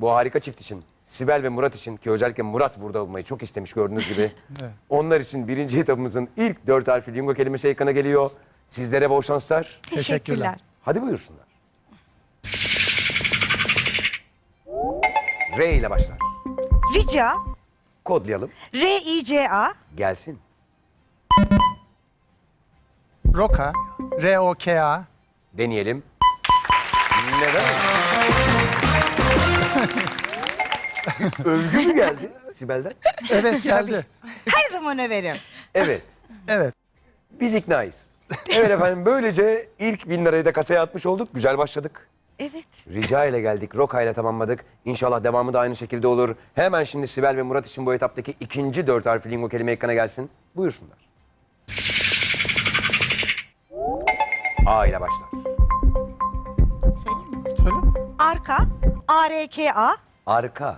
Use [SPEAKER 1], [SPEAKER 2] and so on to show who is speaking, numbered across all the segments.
[SPEAKER 1] bu harika çift için, Sibel ve Murat için ki özellikle Murat burada olmayı çok istemiş gördüğünüz gibi.
[SPEAKER 2] Evet.
[SPEAKER 1] Onlar için birinci etabımızın ilk 4 harfli lingo kelimesi ekrana geliyor. Sizlere bol şanslar.
[SPEAKER 2] Teşekkürler.
[SPEAKER 1] Hadi buyursunlar. R ile başlar.
[SPEAKER 3] Rica,
[SPEAKER 1] Kodlayalım.
[SPEAKER 3] R-I-C-A,
[SPEAKER 1] Gelsin.
[SPEAKER 2] Roka, R-O-K-A.
[SPEAKER 1] Deneyelim. Neden? Övgü mü geldi Sibel'den?
[SPEAKER 2] Evet geldi.
[SPEAKER 3] her zaman överim.
[SPEAKER 1] Evet.
[SPEAKER 2] Evet.
[SPEAKER 1] Biz iknayız. Evet efendim, böylece ilk 1000 lirayı da kasaya atmış olduk. Güzel başladık.
[SPEAKER 3] Evet.
[SPEAKER 1] Rica ile geldik, Roka ile tamamladık. İnşallah devamı da aynı şekilde olur. Hemen şimdi Sibel ve Murat için bu etaptaki ikinci 4 harfli lingo kelime ekrana gelsin. Buyursunlar. A ile başlar.
[SPEAKER 2] Söyle.
[SPEAKER 3] Arka, A-R-K-A,
[SPEAKER 1] Arka.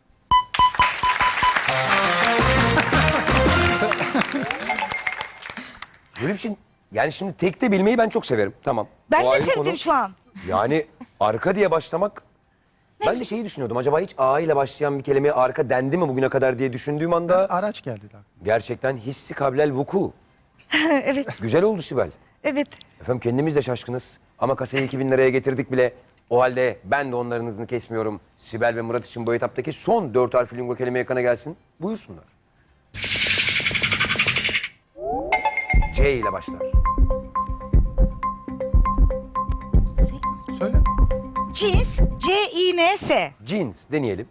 [SPEAKER 1] Böyle bir şey, yani şimdi tekte bilmeyi ben çok severim. Tamam.
[SPEAKER 3] ben
[SPEAKER 1] O
[SPEAKER 3] de
[SPEAKER 1] ayrı
[SPEAKER 3] sevdim
[SPEAKER 1] konu.
[SPEAKER 3] şu an.
[SPEAKER 1] Yani arka diye başlamak... Ben de şeyi düşünüyordum. Acaba hiç A ile başlayan bir kelimeye arka dendi mi bugüne kadar diye düşündüğüm anda...
[SPEAKER 2] Araç geldi daha.
[SPEAKER 1] Gerçekten hissi kablel vuku.
[SPEAKER 3] Evet,
[SPEAKER 1] Güzel oldu Sibel.
[SPEAKER 3] evet.
[SPEAKER 1] Efendim kendimiz de şaşkınız. Ama kasayı 2000 liraya getirdik bile. O halde ben de onların hızını kesmiyorum. Sibel ve Murat için bu etaptaki son 4 harfli lingo kelime ekrana gelsin. Buyursunlar. C ile başlar.
[SPEAKER 2] Söyle.
[SPEAKER 3] Cins, C-I-N-S,
[SPEAKER 1] Jeans deneyelim.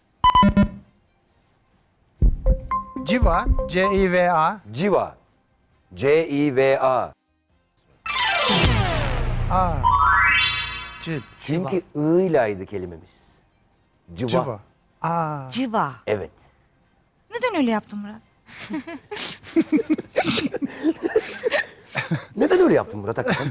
[SPEAKER 2] Civa, C-I-V-A.
[SPEAKER 1] Civa. C-I-V-A.
[SPEAKER 2] A. Cil.
[SPEAKER 1] Çünkü I ilaydı kelimemiz. Civa.
[SPEAKER 2] Civa. A.
[SPEAKER 3] civa.
[SPEAKER 1] Evet.
[SPEAKER 3] Neden öyle yaptın Murat?
[SPEAKER 1] Neden öyle yaptın Murat hakikaten?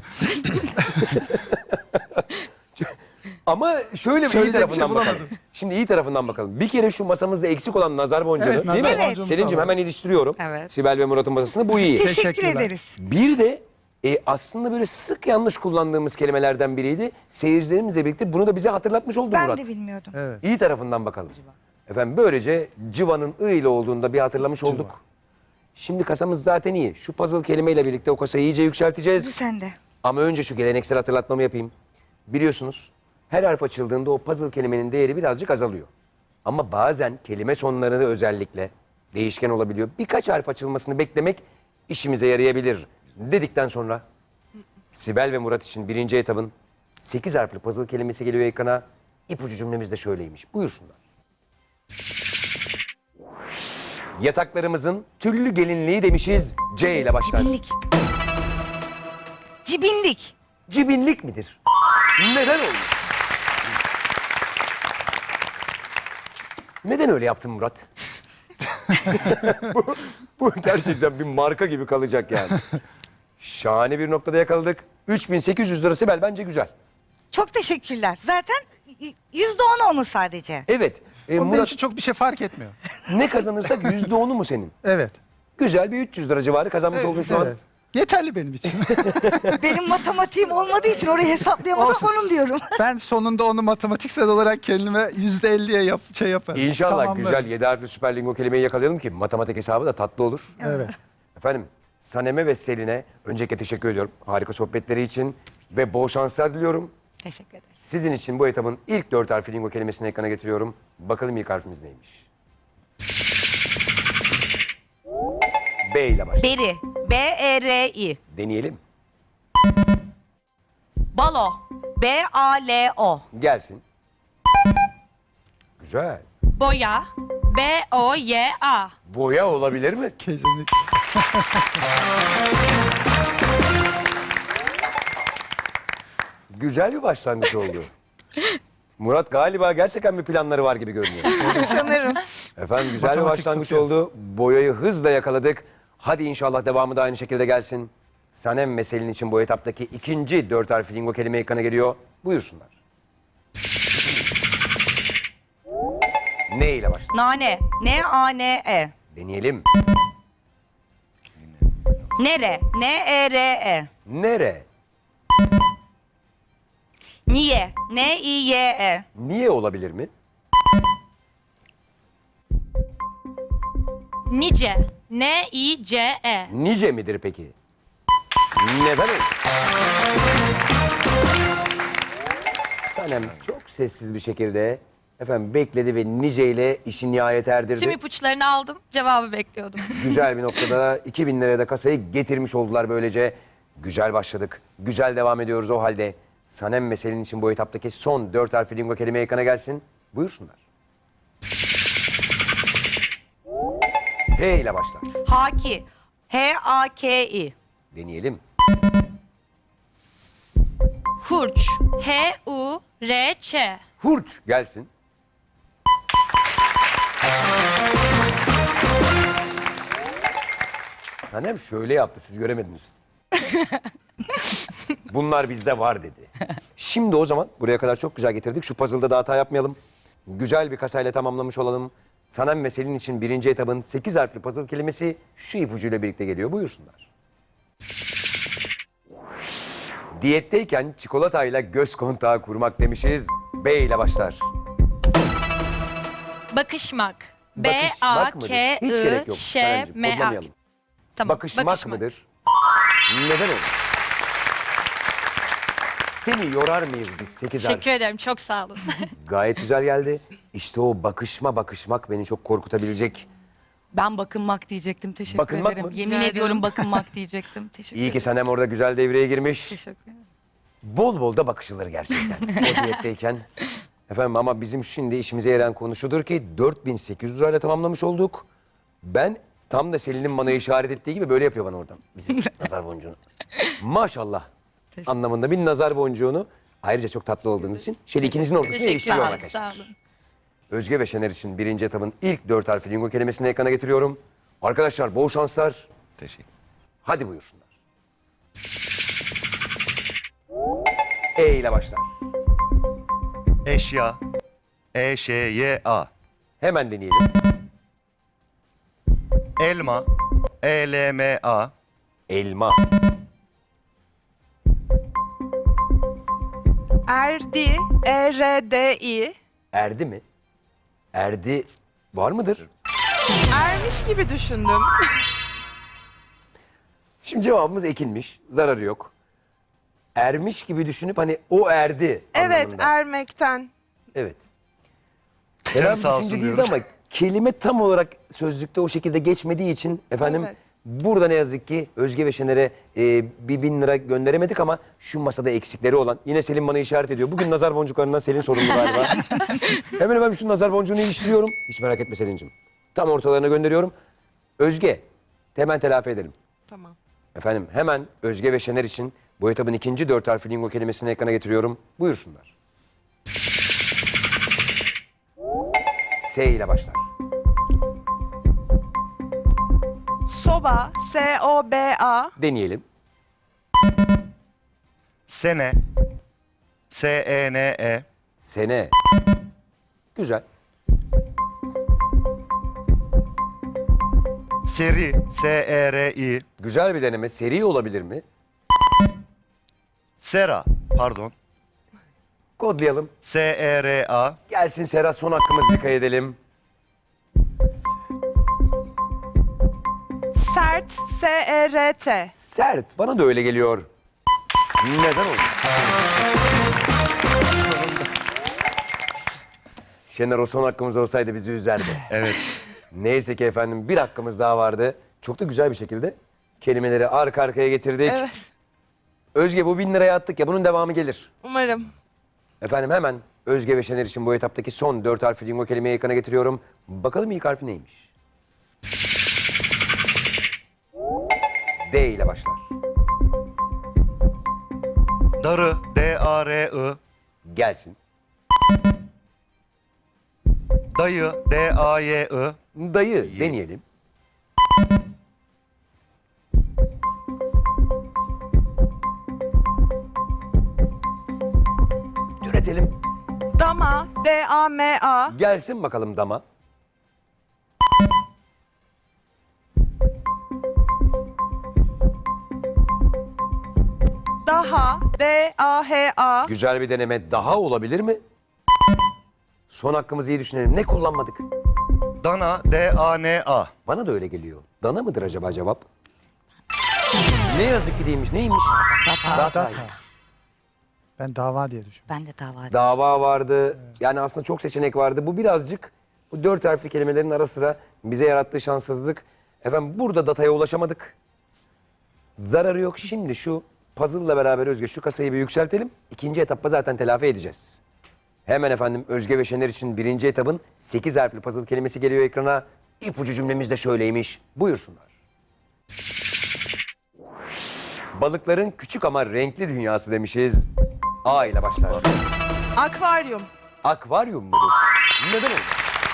[SPEAKER 1] Ama şöyle bir iyi
[SPEAKER 2] Söyleyecek bir
[SPEAKER 1] tarafından
[SPEAKER 2] şey
[SPEAKER 1] bakalım.
[SPEAKER 2] bulamadım.
[SPEAKER 1] Şimdi iyi tarafından bakalım. Bir kere şu masamızda eksik olan nazar boncuğu
[SPEAKER 2] Evet,
[SPEAKER 1] değil mi?
[SPEAKER 2] nazar
[SPEAKER 3] boncuğumuz
[SPEAKER 1] Selin'cim
[SPEAKER 2] var.
[SPEAKER 1] hemen iliştiriyorum.
[SPEAKER 3] Evet.
[SPEAKER 1] Sibel ve Murat'ın masasını, bu iyi.
[SPEAKER 3] Teşekkür
[SPEAKER 2] Teşekkürler.
[SPEAKER 3] ederiz.
[SPEAKER 1] Bir de aslında böyle sık yanlış kullandığımız kelimelerden biriydi. Seyircilerimizle birlikte bunu da bize hatırlatmış oldu
[SPEAKER 3] Ben
[SPEAKER 1] Murat.
[SPEAKER 3] de bilmiyordum.
[SPEAKER 2] Evet.
[SPEAKER 1] İyi tarafından bakalım. Efendim böylece civanın I ile olduğunda bir hatırlamış olduk. Şimdi kasamız zaten iyi. Şu puzzle kelimeyle birlikte o kasayı iyice
[SPEAKER 3] Bu
[SPEAKER 1] yükselteceğiz.
[SPEAKER 3] sende.
[SPEAKER 1] Ama önce şu geleneksel hatırlatmamı yapayım. Biliyorsunuz her harf açıldığında o puzzle kelimenin değeri birazcık azalıyor. Ama bazen kelime sonları da özellikle değişken olabiliyor. Birkaç harf açılmasını beklemek işimize yarayabilir dedikten sonra Sibel ve Murat için birinci etabın 8 harfli puzzle kelimesi geliyor ekrana. İpucu cümlemiz de şöyleymiş. Buyursunlar. Yataklarımızın tüllü gelinliği demişiz. C ile başlar.
[SPEAKER 3] Cibinlik. Cibinlik.
[SPEAKER 1] Cibinlik midir? Neden oldu? Neden öyle yaptın Murat? bu gerçekten bir marka gibi kalacak yani. Şahane bir noktada yakaladık. 3800 lira Sibel, bence güzel.
[SPEAKER 3] Çok teşekkürler. Zaten %10 onu sadece.
[SPEAKER 1] Evet.
[SPEAKER 2] Onun benim
[SPEAKER 1] Murat,
[SPEAKER 2] için çok bir şey fark etmiyor.
[SPEAKER 1] ne kazanırsak %10'u mu senin?
[SPEAKER 2] Evet.
[SPEAKER 1] Güzel bir 300 lira civarı kazanmış oldun şu an.
[SPEAKER 2] Evet. Yeterli benim için.
[SPEAKER 3] Benim matematiğim olmadığı için orayı hesaplayamadım,
[SPEAKER 2] Olsun.
[SPEAKER 3] onun diyorum.
[SPEAKER 2] Ben sonunda onu matematiksel olarak kendime %50'ye yaparım.
[SPEAKER 1] İnşallah
[SPEAKER 2] Tamamlarım.
[SPEAKER 1] güzel 7 harfli süper lingo kelimeyi yakalayalım ki matematik hesabı da tatlı olur.
[SPEAKER 2] Evet.
[SPEAKER 1] Efendim Sanem'e ve Selin'e öncelikle teşekkür ediyorum. Harika sohbetleri için ve bol şanslar diliyorum.
[SPEAKER 3] Teşekkür ederiz.
[SPEAKER 1] Sizin için bu etabın ilk 4 harfli lingo kelimesini ekrana getiriyorum. Bakalım ilk harfimiz neymiş? B ile başlar.
[SPEAKER 3] Beri. B-E-R-I.
[SPEAKER 1] Deneyelim.
[SPEAKER 3] Balo. B-A-L-O.
[SPEAKER 1] Gelsin. Güzel.
[SPEAKER 4] Boya. B-O-Y-A.
[SPEAKER 1] Boya olabilir mi?
[SPEAKER 2] Kesinlikle.
[SPEAKER 1] Güzel bir başlangıç oldu. Murat galiba gerçekten bir planları var gibi görünüyor.
[SPEAKER 3] Sanırım.
[SPEAKER 1] Efendim güzel bir
[SPEAKER 2] Matematik
[SPEAKER 1] başlangıç
[SPEAKER 2] tutuyor.
[SPEAKER 1] oldu. Boyayı hızla yakaladık. Hadi inşallah devamı da aynı şekilde gelsin. Sanem ve Selin için bu etaptaki ikinci 4 harfli lingo kelime ekrana geliyor. Buyursunlar. Ne ile başlar?
[SPEAKER 3] Nane. N-A-N-E.
[SPEAKER 1] Deneyelim.
[SPEAKER 3] Nere. N-E-R-E.
[SPEAKER 1] Nere?
[SPEAKER 3] Niye. N-I-Y-E.
[SPEAKER 1] Niye olabilir mi?
[SPEAKER 4] Nice. N-I-C-E.
[SPEAKER 1] Nice midir peki? Neden öyle? Sanem çok sessiz bir şekilde efendim bekledi ve nice ile işi nihayet erdirdi.
[SPEAKER 4] Tüm ipuçlarını aldım. Cevabı bekliyordum.
[SPEAKER 1] Güzel bir noktada 2000 liraya da kasayı getirmiş oldular böylece. Güzel başladık. Güzel devam ediyoruz o halde. Sanem ve Selin için bu etaptaki son 4 harfli lingo kelime ekrana gelsin. Buyursunlar. H ile başlar.
[SPEAKER 3] Haki. H-A-K-I.
[SPEAKER 1] Deneyelim.
[SPEAKER 4] Hurç. H-U-R-Ç.
[SPEAKER 1] Hurç gelsin. Sanem şöyle yaptı, siz göremediniz. Bunlar bizde var dedi. Şimdi o zaman buraya kadar çok güzel getirdik. Şu puzzle'da da hata yapmayalım. Güzel bir kasayla tamamlamış olalım. Sanem ve Selin için birinci etabın 8 harfli puzzle kelimesi şu ipucuyla birlikte geliyor. Buyursunlar. Diyetteyken çikolatayla göz kontağı kurmak demişiz. B ile başlar.
[SPEAKER 4] Bakışmak.
[SPEAKER 1] Bakışmak mıdır? Hiç gerek yok. Sanemciğim,
[SPEAKER 4] B-A-K-I-Ş-M-A.
[SPEAKER 1] kodlamayalım.
[SPEAKER 4] Tamam.
[SPEAKER 1] Bakışmak mıdır? Neden olur? Seni yorar mıyız biz 8 harf?
[SPEAKER 4] Teşekkür ederim. Çok sağ olun.
[SPEAKER 1] Gayet güzel geldi. İşte o bakışmak beni çok korkutabilecek.
[SPEAKER 5] Ben bakınmak diyecektim. Teşekkür
[SPEAKER 1] Bakınmak
[SPEAKER 5] ederim.
[SPEAKER 1] mı?
[SPEAKER 5] Yemin
[SPEAKER 4] Rica
[SPEAKER 5] ediyorum
[SPEAKER 4] ederim.
[SPEAKER 5] bakınmak diyecektim. Teşekkür
[SPEAKER 1] İyi ki
[SPEAKER 5] ederim.
[SPEAKER 1] Sanem orada güzel devreye girmiş.
[SPEAKER 5] Teşekkür ederim.
[SPEAKER 1] Bol bol da bakışılır gerçekten o diyetteyken. Efendim ama bizim şimdi işimize yarayan konu şudur ki 4800 lirayla tamamlamış olduk. Ben tam da Selin'in bana işaret ettiği gibi böyle yapıyor bana oradan. Bizim nazar boncuğunu. Maşallah anlamında bir nazar boncuğunu. Ayrıca çok tatlı olduğunuz için şöyle ikinizin ortasına
[SPEAKER 4] Teşekkür
[SPEAKER 1] iliştiriyorum
[SPEAKER 4] ederim.
[SPEAKER 1] arkadaşlar.
[SPEAKER 4] Sağ olun.
[SPEAKER 1] Özge ve Şener için birinci etabın ilk 4 harfli lingo kelimesini ekrana getiriyorum. Arkadaşlar bol şanslar.
[SPEAKER 6] Teşekkür.
[SPEAKER 1] Hadi buyursunlar. E ile başlar.
[SPEAKER 6] Eşya. E-Ş-Y-A.
[SPEAKER 1] Hemen deneyelim.
[SPEAKER 6] Elma. E-L-M-A.
[SPEAKER 1] Elma.
[SPEAKER 7] Erdi, E-R-D-I.
[SPEAKER 1] Erdi mi? Erdi var mıdır?
[SPEAKER 7] Ermiş gibi düşündüm.
[SPEAKER 1] Şimdi cevabımız ekilmiş. Zararı yok. Ermiş gibi düşünüp hani o erdi
[SPEAKER 7] Evet,
[SPEAKER 1] anlamında.
[SPEAKER 7] ermekten.
[SPEAKER 1] Evet.
[SPEAKER 6] Canı
[SPEAKER 1] Herhalde
[SPEAKER 6] sağ olsun
[SPEAKER 1] düşünce değildi
[SPEAKER 6] diyoruz.
[SPEAKER 1] ama kelime tam olarak sözlükte o şekilde geçmediği için efendim
[SPEAKER 7] Evet.
[SPEAKER 1] burada ne yazık ki Özge ve Şener'e bir 1000 lira gönderemedik ama şu masada eksikleri olan yine Selin bana işaret ediyor. Bugün nazar boncuklarından Selin sorumlu galiba. Hemen şu nazar boncuğunu iliştiriyorum. Hiç merak etme Selin'cim. Tam ortalarına gönderiyorum. Özge hemen telafi edelim.
[SPEAKER 7] Tamam.
[SPEAKER 1] Efendim hemen Özge ve Şener için bu etabın ikinci 4 harfli lingo kelimesini ekrana getiriyorum. Buyursunlar. S ile başlar.
[SPEAKER 7] Soba, S-O-B-A.
[SPEAKER 1] Deneyelim.
[SPEAKER 6] Sene. S-E-N-E.
[SPEAKER 1] Sene. Güzel.
[SPEAKER 6] Seri. S-E-R-I.
[SPEAKER 1] Güzel bir deneme. Seri olabilir mi?
[SPEAKER 6] Sera. Pardon.
[SPEAKER 1] Kodlayalım.
[SPEAKER 6] S-E-R-A.
[SPEAKER 1] Gelsin Sera, son hakkımızı dikkat edelim.
[SPEAKER 7] Sert, S-E-R-T.
[SPEAKER 1] Sert. Bana da öyle geliyor. Neden oldu? Şener o son hakkımız olsaydı bizi üzerdi.
[SPEAKER 6] Evet.
[SPEAKER 1] Neyse ki efendim bir hakkımız daha vardı. Çok da güzel bir şekilde kelimeleri arka arkaya getirdik.
[SPEAKER 7] Evet,
[SPEAKER 1] Özge bu 1000 liraya attık ya bunun devamı gelir.
[SPEAKER 7] umarım.
[SPEAKER 1] Efendim hemen Özge ve Şener için bu etaptaki son 4 harfli lingo kelimeyi ekrana getiriyorum. Bakalım ilk harfi neymiş? D ile başlar.
[SPEAKER 6] Darı. D-A-R-I.
[SPEAKER 1] Gelsin.
[SPEAKER 6] Dayı. D-A-Y-I.
[SPEAKER 1] Dayı deneyelim. Türetelim.
[SPEAKER 7] Dama, D-A-M-A.
[SPEAKER 1] Gelsin bakalım dama.
[SPEAKER 7] Daha, D-A-H-A.
[SPEAKER 1] Güzel bir deneme daha olabilir mi? Son hakkımızı iyi düşünelim. Ne kullanmadık?
[SPEAKER 6] Dana, D-A-N-A.
[SPEAKER 1] Bana da öyle geliyor. Dana mıdır acaba cevap? Ne yazık ki değilmiş. Neymiş? Datay.
[SPEAKER 2] Ben dava diye düşünüyorum.
[SPEAKER 3] Ben de dava ediyorum.
[SPEAKER 1] Dava vardı. Yani aslında çok seçenek vardı. Bu birazcık bu 4 harfli kelimelerin ara sıra bize yarattığı şanssızlık. Efendim burada dataya ulaşamadık. Zararı yok. Şimdi şu puzzle'la beraber Özge şu kasayı bir yükseltelim. İkinci etapta zaten telafi edeceğiz. Hemen efendim Özge ve Şener için birinci etapın 8 harfli puzzle kelimesi geliyor ekrana. İpucu cümlemiz de şöyleymiş. Buyursunlar. Balıkların küçük ama renkli dünyası demişiz. A ile başlar.
[SPEAKER 7] Akvaryum.
[SPEAKER 1] Akvaryum mudur? Neden olur?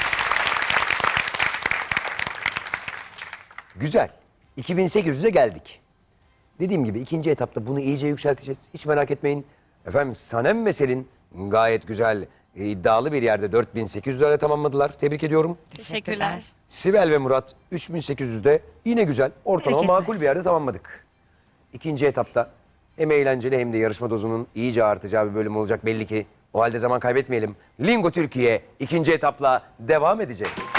[SPEAKER 1] Güzel. 2800'e geldik. Dediğim gibi ikinci etapta bunu iyice yükselteceğiz. Hiç merak etmeyin. Efendim Sanem ve Selin gayet güzel, iddialı bir yerde 4800 liraya tamamladılar. Tebrik ediyorum.
[SPEAKER 4] Teşekkürler.
[SPEAKER 1] Sibel ve Murat 3800'de yine güzel, ortalama
[SPEAKER 3] Teşekkürler.
[SPEAKER 1] makul bir yerde tamamladık. İkinci etapta hem eğlenceli hem de yarışma dozunun iyice artacağı bir bölüm olacak belli ki. O halde zaman kaybetmeyelim. Lingo Türkiye ikinci etapla devam edecek.